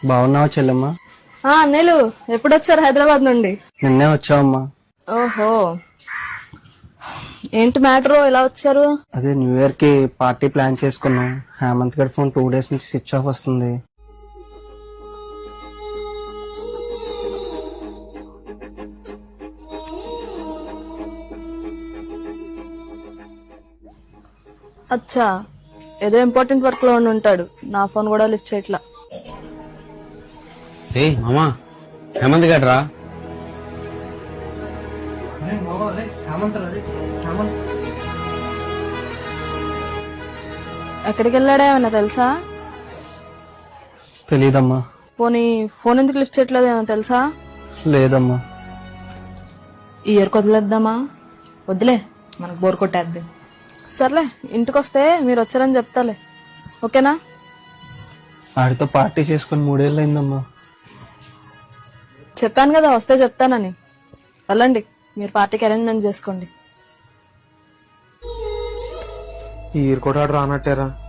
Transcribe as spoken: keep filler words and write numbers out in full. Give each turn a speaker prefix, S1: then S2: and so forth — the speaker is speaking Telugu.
S1: బాగున్నావా చెల్లెమ్మా?
S2: ఆ అన్నయ్యలు ఎప్పుడొచ్చారు హైదరాబాద్ నుండి?
S1: నిన్నే వచ్చావమ్మా.
S2: ఓహో, ఏంటి మ్యాటర్, ఎలా వచ్చారు?
S1: అదే న్యూ ఇయర్ కి పార్టీ ప్లాన్ చేసుకున్నాం. హేమంత్ గడి ఫోన్ టూ డేస్ నుంచి స్విచ్ ఆఫ్ వస్తుంది.
S2: అచ్చా, ఏదో ఇంపార్టెంట్ వర్క్ లో ఉండి ఉంటాడు. నా ఫోన్ కూడా లిఫ్ట్ చేయట్లా.
S3: ఏ మామా, హేమంత్ గడ్రా.
S2: ఎక్కడికి వెళ్ళాడా ఏమన్నా తెలుసా?
S1: తెలీదమ్మా.
S2: పోనీ ఫోన్ ఎందుకు లిఫ్ట్ చేయట్లేదు ఏమన్నా తెలుసా?
S1: లేదమ్మా.
S2: ఈ ఇయర్ వదిలేద్దామా?
S4: వద్దులే, మనకు బోర్ కొట్టేద్ది.
S2: సర్లే, ఇంటికి వస్తే మీరు వచ్చారని చెప్తాలే, ఓకేనా?
S1: ఆడితో పార్టీ చేసుకుని మూడేళ్ళు అయిందమ్మా.
S2: చెప్పాను కదా వస్తే చెప్తానని. వెళ్ళండి, మీరు పార్టీకి అరేంజ్మెంట్ చేసుకోండి.
S5: ఈ ఇయర్ కూడా రానట్టారా?